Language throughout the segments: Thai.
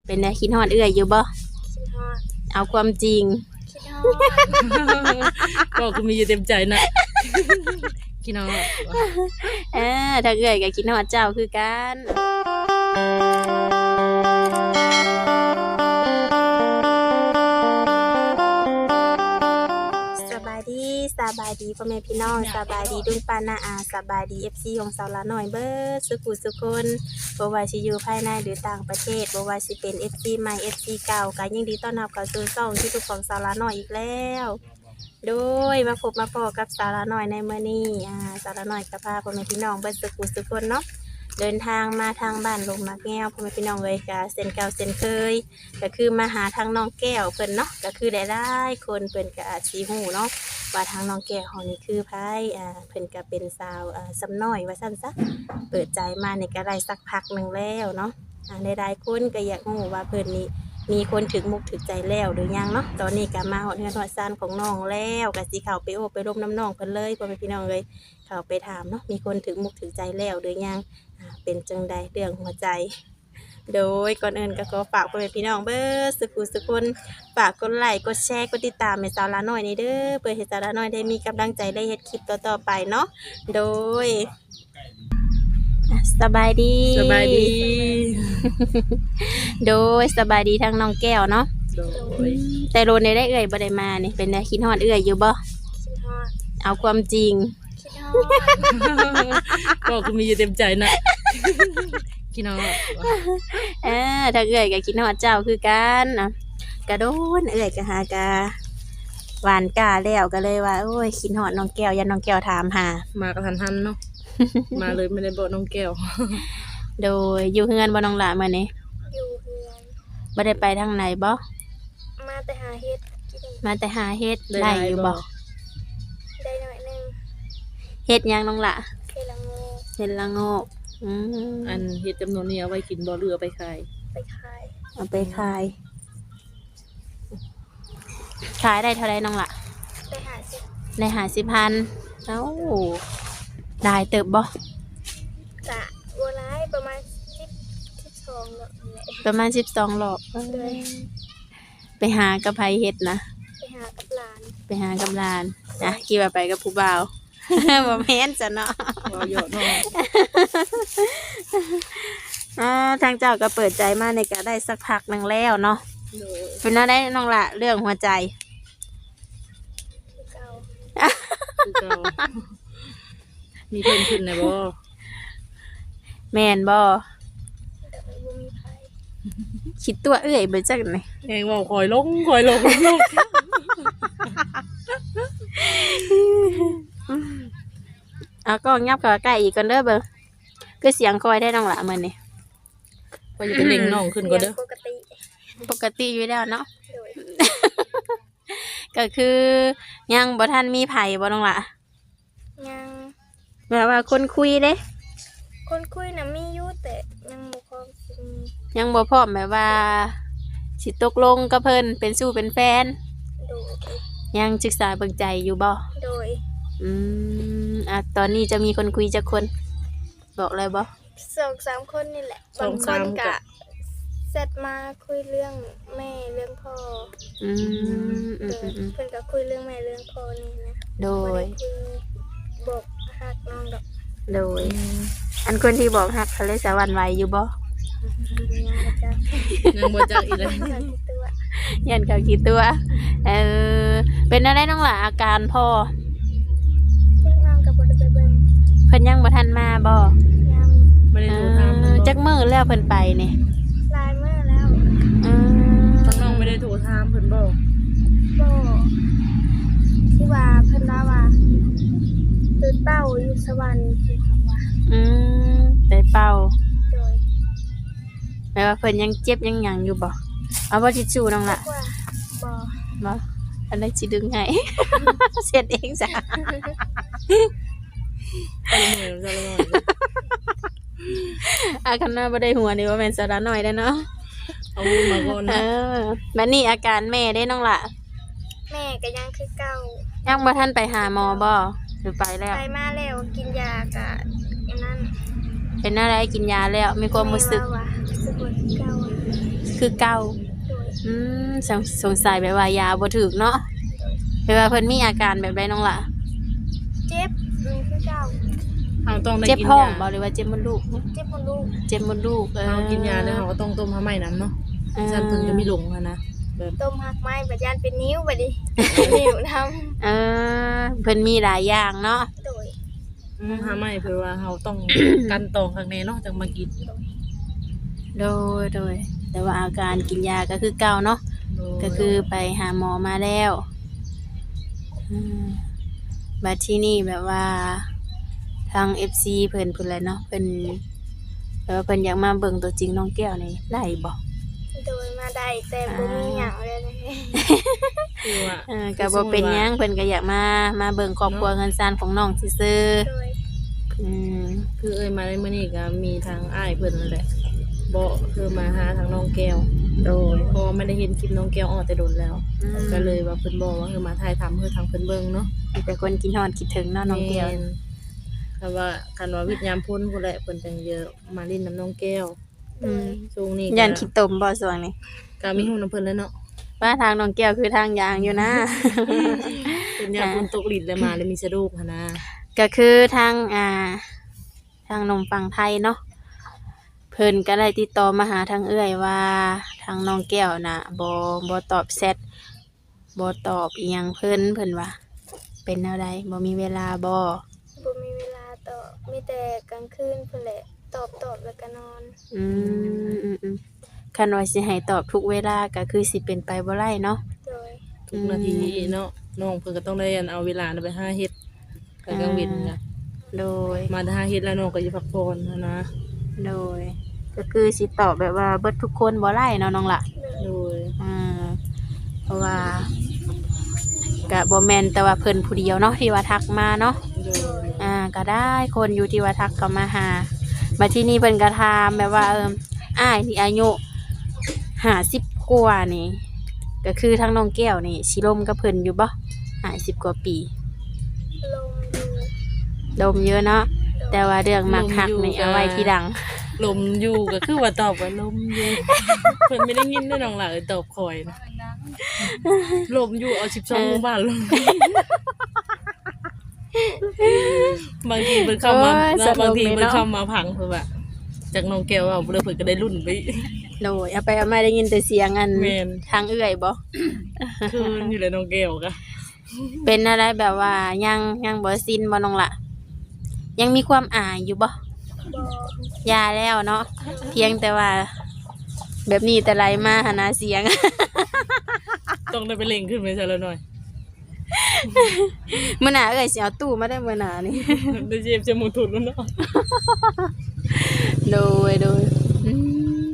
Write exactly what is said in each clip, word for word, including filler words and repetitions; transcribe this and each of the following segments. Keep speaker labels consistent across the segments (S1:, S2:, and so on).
S1: เป็นไงคิดฮอดเอื้อยอยู่บ่
S2: คิดฮอด
S1: เอาความจริง
S2: คิดฮอด
S3: ก็คือมีอยู่เต็มใจนะคิดฮอด
S1: เออถ้าเอื้อยก็คิดฮอดเจ้าคือกันสบายดีสบายดีพ่อแม่พี่น้องสบายดีดุงปานาอาสบายดี เอฟ ซี ของสาวละน้อยเบิดสุขุสุคนบ่ว่าสิอยู่ภายในหรือต่างประเทศบ่ว่าสิเป็น เอฟ ซี ใหม่ เอฟ ซี เก่าก็ยินดีต้อนรับเข้าสู่ช่องที่ทุกของสาวละน้อยอีกแล้วโดยมาพบมาพอกับสาวละน้อยในมื้อนี้อ่าสาวละน้อยก็พาพ่อแม่พี่น้องเบิดสุขุสุคนเนาะเดินทางมาทางบ้านลงมักแง้วพ่อแม่พี่น้องเลยก็เส้นเก่าเส้นเคยก็คือมาหาทางน้องแก้วเพิ่นเนาะก็คือได้ได้คนเพิ่นก็อาจสิฮู้เนาะว่าทางน้องแก้วเฮานี่คือไผอ่าเพิ่นก็เป็นสาวอ่าสำน้อยว่าซั่นซะเปิดใจมานี่ก็ได้สักพักนึงแล้วเนาะอ่าหลายๆคนก็อยากฮู้ว่าเพิ่นนี่มีคนถึงมุกถึงใจแล้วหรือยังเนาะตอนนี้ก็มาฮอดเฮือนฮอดซ่านของน้องแล้วก็สิเข้าไปโอบไปร่มน้ำน้องเพิ่นเลยพ่อแม่พี่น้องเอ้ยเข้าไปถามเนาะมีคนถึงมุกถึงใจแล้วหรือยังเป็นจังใดเรื่องหัวใจโดยก่อนอื่นก็ขอฝากพ่อแม่พี่น้องเบิดสุขุสุคนฝากกดไลค์กดแชร์กดติดตามให้สาวละน้อยนี่เด้อเพื่อให้สาวละน้อยได้มีกำลังใจได้เฮ็ดคลิปต่อๆไปเนาะโดยสบายดี
S3: สบายดี
S1: โดยสบายดีทั้งน้องแก้วเนาะ
S3: โดย
S1: แต่โรนได้เอ่ยบ่ได้มานี่เป็นไงคิดฮอดเอ่ยอยู่บ่
S2: คิดฮอด
S1: เอาความจริง
S2: คิดฮอด
S3: ก็คือมีอยู่เต็มใจนะคิดฮอด
S1: เออถ้าเอ่ยก็คิดฮอดเจ้าคือกันนะกระโดนเอ่ยก็หากะหวานกาแล้วก็เลยว่าโอ้ยคิดฮอดน้องแก้วยันน้องแก้วถามหาม
S3: ากระทันหันเนาะมาเลยไม่ได้บอกน้องแก้ว
S1: โดยอยู่เฮือนบ่น้องหลามื้อนี้
S2: อยู่เฮือน
S1: บ่ได้ไปทางไหนบ่
S2: มาแต่หาเฮ็ดกิน
S1: มาแต่หาเฮ็ดได้อยู่บ่
S2: ได้หน่อยหนึง
S1: เฮ็ดหยังน้องหละ
S2: เคยละโง
S1: เฮ็ดละโงกอืม
S3: อันเฮ็ดจำนวนนี้เอาไว้กินบ่เรือไปขาย
S2: ไปขาย
S1: เอาไปขายขายได้เท่าไรน้องหละ
S2: ไปหาสิ
S1: ได้ห้าสิบพันเอ้าได้เติบบ่
S2: กะบัวร้ายประมาณสิบสิบสองเนาะนี่แหละ
S1: ประมาณสิบสองรอบ
S2: เลย
S1: ไปหากับไผเฮ็ดนะ
S2: ไปหากับหลาน
S1: ไปหากับหลานนะกี่ว่าไปกับผู้บ่าว บ่แม่นจ้ะเนาะ
S3: บ่เยอะเนาะ
S1: อ่าทางเจ้าก็เปิดใจมาในก็ได้สักพักหนึงแล้วเนาะ
S3: โดย
S1: เป็นว่าได้น้องละเรื่องหัวใจ
S2: คือเก่า
S3: คือเก่ามีเพิ่มขึ้นไหนบ่
S1: แม่นบ่
S2: แต่ไม่บ่มีไผ
S1: คิดตัวเอื้อยเบิดจักไหน
S3: เองว่าคอยลงคอยลงลง
S1: เอาก็งับเข้าใกล้อีกก่อนเด้อเบิ่งคือเสียงคอยได้น้องละมื้อนี้
S3: ก็อย่าไปเล็งน้องขึ้นก็เด้อ
S2: ปกติ
S1: ปกติอยู่แล้วเนาะ
S2: โดย
S1: ก็คือยังบ่ทันมีไผบ่น้องละ
S2: ยัง
S1: แบบว่าคนคุยเด้
S2: คนคุยน่ะมีอยู่แต่ยังบ่พร้อมสิมี
S1: ยังบ่พร้อมแบบว่าสิตกลงกับเพิ่นเป็นสู้เป็นแฟน
S2: โดย
S1: ยังศึกษาเบิ่งใจอยู่บ่
S2: โดย
S1: อืมอ่ะตอนนี้จะมีคนคุยจักคน บอกเลยบ่
S2: สองสามคนนี่แหละบางคนกะเซตมาคุยเรื่องแม่เรื่องพ่อ
S1: อืมอื
S2: โด
S1: มอื
S2: ย
S1: มอืม
S2: เพิ่นก็คุยเรื่องแม่เรื่องพ่อนี่นะ
S1: โด
S2: บ่
S1: ย
S2: ได้คุยบอกฮักน้องดอก
S1: โดย อันคนที่บอกฮักเขาเลยสะหวันไหวอยู่บ่
S2: ยังบ่จัก
S3: ยังบ่จักอีกเลย
S2: จักตัว
S1: ยันเขากี่ตัว เออ เป็นอะไรน้องหล่ะอาการพ่อ
S2: จักน้องก็บ่ได้ไปเบิ่ง
S1: เพิ่นยังบ่ทันมาบ่
S2: ยัง
S3: ไม่ได้
S1: เอ
S3: โทรถาม
S1: อจักมื้อแล้วเพิ่นไปนี่
S2: หลายมื้อแล้ว
S1: อืม
S3: ทั้งน้องไม่ได้โทรถามเพิ่นบ่
S2: บ่ที่ว่าเพิ่นว่าว่าตื่นเป้าอยู่สวรรค์เพิ่นบอกว่า
S1: อืมได้เป่า
S2: โดย
S1: แปลว่าเพิ่นยังเจ็บยังหยังอยู่บ่ เอาบ่ทิชชู่น้องล่ะ
S2: ว่าบ่
S1: บ่อันนั้นสิดึงให้ เสร็จเองจ้ะ
S3: ไปเหมือนกันเลย
S1: อาคันหน้าบ่ได้หัวนี่ว่าแม่นสาระน้อยเด้อเนาะ
S3: เอามาก่อน
S1: เอ
S3: นะ
S1: อบัดนี้อาการแม่ได้น้องล่ะ
S2: แม่ก็ยังคือเก่า
S1: ยังบ่ทันไปหาหมอบ่หรือไปแล้ว
S2: ไปมาแล้วกินยากะอันนั้น
S1: เป็นอะไรกินยาแล้วมีความรู้สึก
S2: แว่าว่ารู้สึกว่าคือเก่าอะ
S1: คือเก่า
S2: โดย
S1: อืมสงสงสัยแบบว่ายาบ่ถูกเนาะแปลว่าเพิ่นมีอาการแบบใดน้องล่ะ
S2: เจ็บอืมคือเก่า
S3: เราต้องได้
S1: เจ็บ
S3: กิน
S1: ท้อง
S3: ยา
S1: บ่หรือว่าเจ็บมดลูก
S2: เจ็บมดลูก
S1: เจ็บมดลูกเออ
S3: เรากินยาแล้วเราก็ต้องต้มผ้าไหมน้ำเนาะ
S1: เออ
S3: ฉันเพิ่นจะมีหลงอะนะแบบ
S2: ต้มหักไม้บัดยานเป็นนิ้วบัดนี้ นิ้วท
S1: เออเพิ่นมีหลายอย่างเนาะ
S2: ำโดย
S3: ผ้าไหมเพื่อว่าเราต้อง กันตองข้างในเนาะจังมากิน
S1: โดยโดยแต่ว่าอาการกินยาก็คือเก่าเนาะก็คือไปหาหมอมาแล้วอืมบัดที่นี่แบบว่าทาง เอฟ ซี เพิ่นเพิ่นแหละเนาะเพิ่นแบบว่าเพิ่นอยากมาเบิ่งตัวจริงน้องแก้วนี่ได้บ่
S2: โดยมาได้แต่บ่มีหยังเลยนะ
S3: คือว่า
S1: เออก็บ่เป็นหยังเพิ่นก็อยากมามาเบิ่งครอบครัวเงินซานของน้องซื่อ
S2: โดย
S1: ๆอืม
S3: คือเอ้ยมาในมื้อนี้ก็มีทางอ้ายเพิ่นนั่นแหละบ่คือมาหาทางน้องแก้ว
S1: โดย
S3: เพราะว่าไม่ได้เห็นคลิปน้องแก้วออกแต่โดนแล้ว
S1: อืม
S3: ก็เลยว่าเพิ่นบอกว่าคือมาถ่ายทำคือทางเพิ่นเบิ่งเนาะ
S1: มีแต่คนกินฮอดคิดถึงเนาะน้องแก้ว
S3: ม่นแต่ว่าคันว่าวิทยามพ้นพุ่นแหละเพิ่นจังเยอะมาเล่นน้ำน้องแก้ว
S1: อืม
S3: ช่วงนี้ก็
S1: ยันคิดตมบ่ส่วงนี้
S3: ก็มีฮู้น้ำเพิ่นแล้วเนาะ
S1: ว่าทางน้องแก้วคือทางยางอยู่นะ
S3: เป็นยามพ้นตกลิ้นแล้วมาแล้วมีสะดุกหันนะ
S1: ก็คือทางอ่า ทางหนมฝั่งไทยเนาะเพิ่นก็ได้ติดต่อมาหาทางเอื้อยว่าทางน้องแก้วน่ะบ่บ่ตอบแชทบ่ตอบอีหยังเพิ่นเพิ่นว่า เป็นแนวใดบ่มีเวลาบ่
S2: บ่มีเวลาตอบมีแต่กลางคืนพุ่นแหละตอบตอบแล้วก็นอน
S1: อืมอืมอืมคันว่าสิให้ตอบทุกเวลาก็คือสิเป็นไปบ่ได้เนาะ
S2: โดย
S3: ทุกนาทีเนาะน้องเพิ่นก็ต้องได้อันเอาเวลาน่ะไปหาเฮ็ดแต่กลางเว้นน่ะ
S1: โดย
S3: มาหาเฮ็ดแล้วน้องก็สิพักผ่อนหั้นนะ
S1: โดย ก็คือสิตอบแบบว่าเบิดทุกคนบ่ได้เนาะน้องล่ะ
S3: โดย
S1: อ่าเพราะว่าก็บ่แม่นแต่ว่าเพิ่นผู้เดียวเนาะที่ว่าทักมาเนาะ
S3: โดย
S1: อ่าก็ได้คนอยู่ที่ว่าทักเข้ามาหามาที่นี่เพิ่นก็ถามแบบว่าเอิมอ้ายนี่อายุห้าสิบกว่านี่ ก็คือทั้งน้องแก้วนี่สิลมกับเพิ่นอยู่บ่ห้าสิบกว่าปี
S2: ลมอยู่
S1: ลมเยอะเนาะแต่ว่าเรื่องมักหักนี่เอาไว้ที่ดัง
S3: ลมอยู่ก็คือว่าตอบว่าลมอยู่ เพิ่นไม่ได้ยินได้น้องหล่ะเอ้ยตอบคอยนะลมอยู่เอาสิบสองหมู่บ้านลม บางทีเพิ่นเข้ามา
S1: โอ้ย
S3: เนาะ
S1: สนุก
S3: บางที
S1: เลย
S3: เพิ่น
S1: เนาะ
S3: เข้ามาพังเพิ่นว่าจากน้องแก้วว่าเพิ่นเพิ่นก็ได้รุ่นไป
S1: โดยเอาไปเอามาได้ยินแต่เสียงอัน
S3: แม่น
S1: ทางเอื้อยบ่
S3: คืนอยู่เลยน้องแก้วก็
S1: เป็นอะไรแบบว่ายังยังบ่สิ้นบ่น้องล่ะ ยังมีความอายอยู่บ่
S2: บ่
S1: ยาแล้วเนาะเพียงแต่ว่า แบบนี้แต่ไรมาหานาเสียง
S3: ต้องได้ไปเล่งขึ้นไปซะแล้วหน่อย
S1: มื้อหน้าเอ้ยสิเอาตู้มาได้มื้อหน้านี่
S3: ได้เจ็บจะหมุนทุนแล้วเนาะ
S1: โดยโดยอืม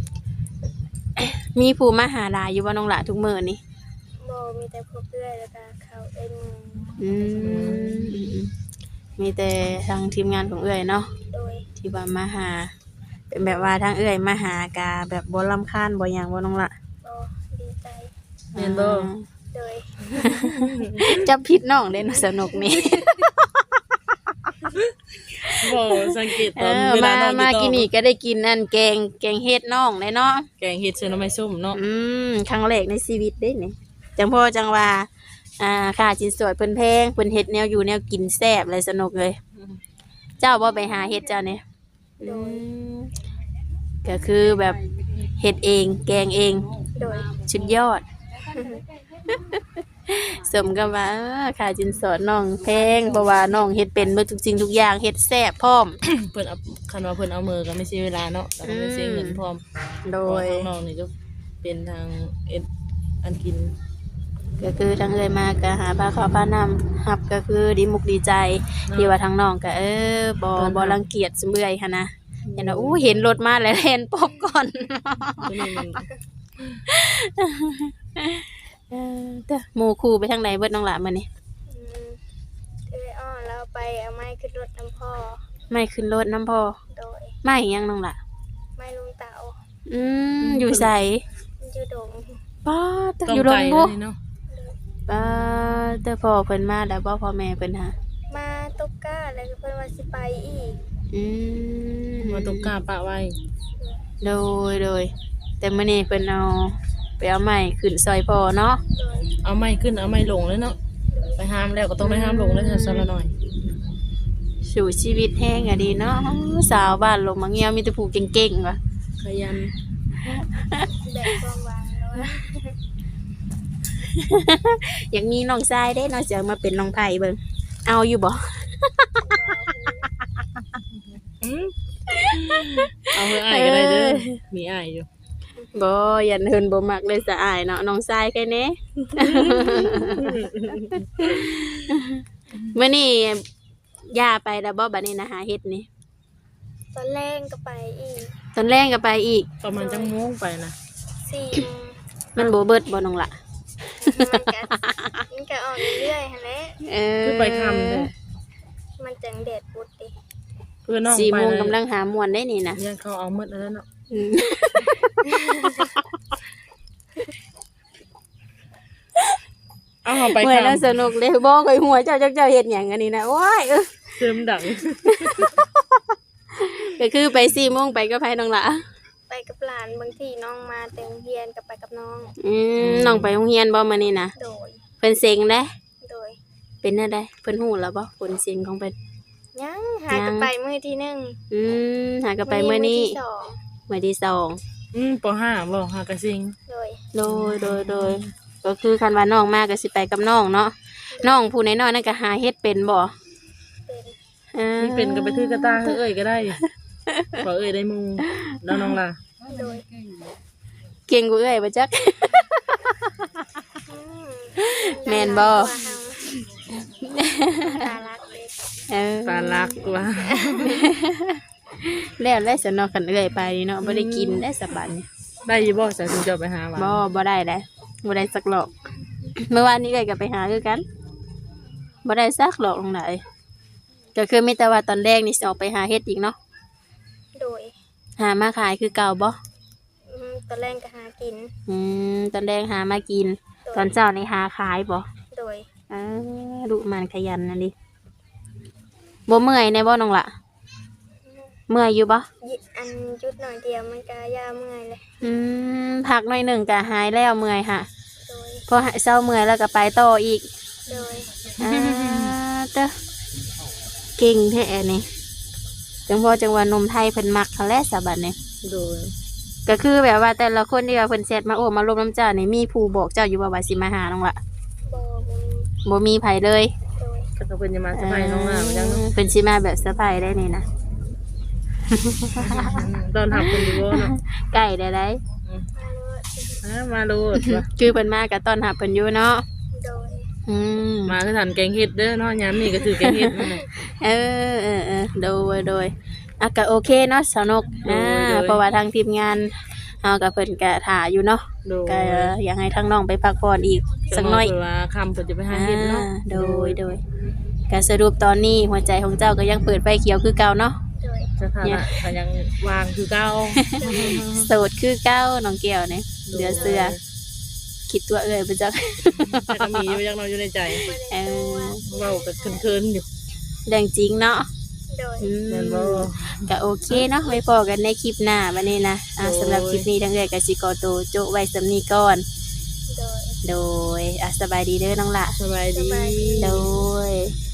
S1: มีผู้มาหาหลายอยู่บ่น้องหละทุกมื้อนี่
S2: บ่มีแต่พวกเอื้อยแล้วก็เขาเอ็นมือ
S1: อืมมีแต่ทางทีมงานของเอื้อยเนาะ
S2: โดย
S1: ที่ว่ามาหา เป็นแบบว่าทางเอื้อยมาหากาแบบบ่รำคาญบ่หยังบ่น้องละ
S2: บ่ดีใจ
S3: แม่นบ่
S2: โดย
S1: จับผิดน้องเด้เนาะสนุกนี่
S3: บ่สังเกต
S1: เอ
S3: ตอน
S1: อ
S3: เวลา
S1: มา
S3: น้อง
S1: มา
S3: อยู่
S1: กิน
S3: ต่อ
S1: นี่ก็ได้กินนั่นแกงแกงเฮ็ดน้องเลยเนาะ
S3: แกงเฮ็ดเส้นน้ำไม้ส้มเนาะ
S1: อืมครั้งแรกในชีวิตเด้นี่จังพ่อจังว่าอ่าค่าสินสอดเพิ่นแพงเพิ่นเฮ็ดแนวอยู่แนวกินแซ่บเลยสนุกเลย เจ้าบ่ไปหาเฮ็ดเจ้าเนี่ยอืมก็คือแบบเฮ็ดเองแกงเอง
S2: โดย
S1: สุดยอด สมกับว่าเออค่าสินสอดน้องแพงเพราะว่าน้องเฮ็ดเป็นเบิดทุกสิ่งทุกอย่างเฮ็ดแซ่บพร้อม
S3: เพิ่นเอาคันว่าเพิ่นเอามือก็ไม่ใช่เวลาเนาะแต่ก็ไม่ใช่เงินพร้อม
S1: โดย
S3: เพราะว่าทางน้องนี่ก็เป็นทางเอ็ดอันกิน
S1: ก็คือทางเอ่ยมาก็หาผ้าขาวผ้านำหับก็คือดีมุกดีใจ ที่ว่าทางน้องก็เออบ่บ่รังเกียจเมื่อยค่ะนะเห็นว่าอู้เห็นรถมาแล้วแล่นปบก่อน
S3: ตัวนี้มัน
S1: เออเด้อหมู่คู่ไปทางไหนเบิดน้องหลามื้อนี้
S2: อืมเอ้ยอ้อแล้วไปเอาไม้ขึ้นรถน้ำพ่อ
S1: ไม่ขึ้นรถน้ำพอ
S2: โดย
S1: ไม่หยังน้องหล่ะ
S2: ไม้ลุงเต๋า
S1: อืมอยู่ไส
S2: อยู่ดง
S1: ป้าต
S3: ต้อง
S1: อยู่โร
S3: ไกล
S1: ง
S3: เล
S1: บ่
S3: ยเนาะ
S1: ป้าแต่พ่อเพิ่นมาแล้วบ่พ่อแม่เพิ่นหา
S2: มาตกก้าแล้วก็เพิ่นว่าสิไปอีก
S1: อืม
S3: มาตกกาปะไว้
S1: โดยโดยแต่มื้อนี้เพิ่นเอาไปเอาไม้ขึ้นซอยพ่อเนาะ
S2: โดย
S3: เอาไม้ขึ้นเอาไม้ลงเลยเนาะไปห้ามแล้วก็ต้องได้ห้ามลงเลยซะละหน่อย
S1: สู่ชีวิตแห้งอะดีเนาะสาวบ้านลงมาเงียวมีแต่ผู้เก่งๆว่ะ
S3: ขยัน
S2: แบกความหวังเนาะ
S1: อยากมีน้องชายเด้น้องจะมาเป็นน้องไผ่เบิ่งเอาอยู่บ่
S3: อืมเอาเพื่ออ้ายก็ได้เด้อมีอ้ายอยู่
S1: บ่ยันเฮินบ่มักเลยสะอายเนาะน้องชายแค่นี้ มื้อนี้ย่าไปแล้วบ่บัดนี้นะหาเฮ็ดนี่
S2: ตอนแรกก็ไปอีก
S1: ตอนแรกก็ไปอีก
S3: ประมาณจังโมงไปนะ
S2: สี่โมง
S1: มันบ่เบิดบ่น้องละ
S2: มันก็มันก็ออกเรื่อยๆหั่นแหละ
S1: เออ
S3: คือไปคำเลย
S2: มันจังแดดปุดดิ
S3: เพื่อนน้อง
S1: สี่
S3: ไป
S1: โมง
S3: เลย
S1: กำลังหาม่วนได้นี่นะ
S3: ยังเขาเอาหมดแล้วเนาะ
S1: อืม
S3: เอาเขาไป
S1: เมื่อย
S3: คำ
S1: แล้วสนุกเลยบ่เคยหัวเจ้าเจ้าเจ้าเฮ็ดหยังอันนี้นะโอ้ยเออ
S3: เติมดัง
S1: ก็คือไปสี่โมงไปก็ไปน้องละ
S2: ไปกับหลานบางทีน้องมาแต่โรงเรียนก็ไปกับน้อง
S1: อืมน้องไปโรงเรียนบ่มื้อนี้นะ
S2: โดย
S1: เพิ่นเซ็งเด้
S2: โดย
S1: เป็นจังได๋เพิ่นฮู้แล้วบ่ผลเซ็งของเพิ่น
S2: ยังหากันไปมื้อที่หนึ่ง
S1: อืมหาก็ไปมื้อนี้
S2: ที่สอง
S1: มื้อที่สอง
S3: อืมปห้าบ่หากระซิง
S2: โดย
S1: โดยโดยโดยก็คือคันว่าน้องมาก็สิไปกับน้องเนาะน้องผู้น้อยๆนั่นก็หาเฮ็ดเป็นบ่
S2: เป็น
S1: เออ
S3: นี่เป็นกับไปทือกระตาเอ้ยก็ได้ขอเอ้ยได้มูแล้วน้องล่ะ
S2: โดย
S1: เก่งกว่าเอ้ยบ่จัก
S2: อืม
S1: แม่นบ่
S2: ตาลักเด็ก
S1: เออ
S3: ปลาลักว่า
S1: แล้วแล้วสนอกันเอ้ยไปนี่เนาะบ่ได้กินได้สบายนี่
S3: ได้อยี่บ่สายถึงจะไปหาว่า
S1: บ่บ่ได้เลยบ่ได้สักหลอก เมื่อวานนี้เอ้ยก็ไปหาคือกันบ่ได้สักหลอกตรงไหนก็คือมีแต่ว่าตอนแรกนี่สิออกไปหาเฮ็ดอีกเนาะ
S2: โดย
S1: หามาขายคือเก่าบ่
S2: อืมตอนแรกก็หากิน
S1: อืมตอนแรกหามากิน ตอนเช้านี่หาขายบ่
S2: โดย
S1: เออดุมันขยันนั่นดิบ่เมื่อยในบ่น้องละเมื่อยอยู่บ่
S2: ยิอันจุดหน่อยเดียวมันก็ยาเมื่อยเลย
S1: อืมพักหน่อยหนึ่งก็หายแล้วเมื่อยค่ะ
S2: โดย
S1: พอหายเศร้าเมื่อยแล้วก็ไปต่ออีก
S2: โดย
S1: อ่าเด้อเก่งแท้นี่จังพอจังหวะนมไทยเพิ่นมักเขาแลสะบัดนี่
S3: โดย
S1: ก็คือแบบว่าแต่ละคนที่ว่าเพิ่นแชทมาโอ้มาลมน้ำเจ้านี่มีผู้บอกเจ้าอยู่บ่ว่าสิมาหาน้องละ
S2: บอบมี
S1: บ่มีไผเลย
S2: โดย
S3: ก็จะเป็นจะมาสบายน้องล่ะมันยังเนาะ
S1: เพิ่นสิมาแบบเซอร์ไพรส์ได้นี่นะ
S3: ตอนทำคนอยู่บ่เนาะ
S1: ใกล้ได้ได้
S2: มาเลย
S3: อ่ามาโลดว่ะ
S1: คือเพิ่นมาก็ต้อนรับเพิ่นอยู่เนาะ
S2: โดย
S1: อืม
S3: มาคือทันแกงเห็ดเด้อเนาะยามนี้ก็ถือแกงเห็ดนั่นแหละ
S1: เออเออเออโดยโดยอ่ะก็โอเคเนาะสนุก
S3: โดย
S1: อ่า
S3: โดย
S1: เพราะว่าทางทีมงานเฮากับเพิ่นก็ถ่าอยู่เนาะ
S3: โดย
S1: ก็อยากให้ทางน้องไปพักผ่อนอีกสักหน่อย
S3: เผื่ว่าคำเพิ่นจะไปหาเห็ดเนาะ
S1: อ่าโดยโดยก็สรุปตอนนี้หัวใจของเจ้าก็ยังเปิดไฟเขียวคือเก่าเนาะ
S2: โดย
S3: สถานะก็ยังวางคือเก่า
S1: โสดคือเก่าน้องแก้วเนี่ยเหลือเสือคิดตัวเอ้ยบ่จัก
S3: แต่ก็มีอยู่ยังเราอยู่ในใจ
S1: เออ
S3: เว้าก็เคินๆอยู่
S1: เรื่องจริงเนาะ
S2: โดย
S1: อืม
S3: แม่นบ่
S1: ก็โอเคเนาะไว้พอกันในคลิปหน้าบัดนี้นะอ่า
S3: โดย
S1: สำหรับคลิปนี้ทั้งเอ้ยก็สิขอตัวโจะไว้สำนี้ก่อน
S2: โดย
S1: โดยอ่ะสบายดีเด้อน้องละ
S3: สบายดี
S2: สบายดี
S1: โดย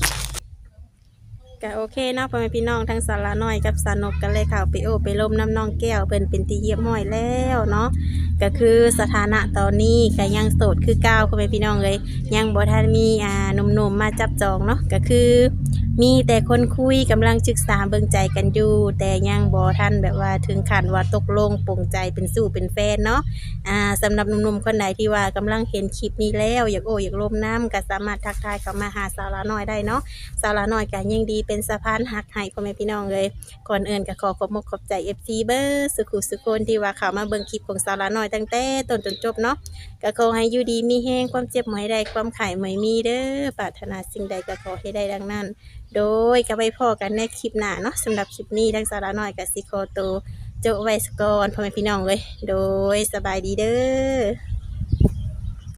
S1: ก็โอเคเนาะพ่อแม่พี่น้องทั้งสาระน้อยกับสานกกันเลยข่าวไปโอไปลมน้ำน้องแก้วเพิ่นเป็นตีเยี่ยมห้อยแล้วเนาะก็คือสถานะตอนนี้ก็ยังโสดคือเก้าพ่อแม่พี่น้องเลยยังบ่ทันมีอ่าหนุ่มๆมาจับจองเนาะก็คือ มีแต่คนคุยกำลังศึกษาเบิ่งใจกันอยู่แต่ยังบ่ทันแบบว่าถึงขั้นว่าตกลงปลงใจเป็นสู้เป็นแฟนเนาะ อ่าสำหรับหนุ่มๆคนไหนที่ว่ากำลังเห็นคลิปนี้แล้วอยากโอ้อยากลมน้ำก็สามารถทักทายเข้ามาหาสาวละน้อยได้เนาะสาวละน้อยก็ยิ่งดีเป็นสะพานหักให้พ่อแม่พี่น้องเลยก่อนอื่นก็ขอขอบมุกขอบใจ เอฟ ซี เบอร์สุขุสุคนที่ว่าเข้ามาเบิ่งคลิปของสาวละน้อยตั้งแต่ต้นจนจบเนาะก็ขอให้อยู่ดีมีแห้งความเจ็บหมอยใดความไข่หมอยมีเด้อปรารถนาสิ่งใดก็ขอให้ได้ดังนั้น โดยก็ไปพอกันในคลิปหน้าเนาะสำหรับคลิปนี้ทั้งสาระน้อยกับซิโคโตโจไวสกอนพ่อแม่พี่น้องเลยโดยสบายดีเด้อ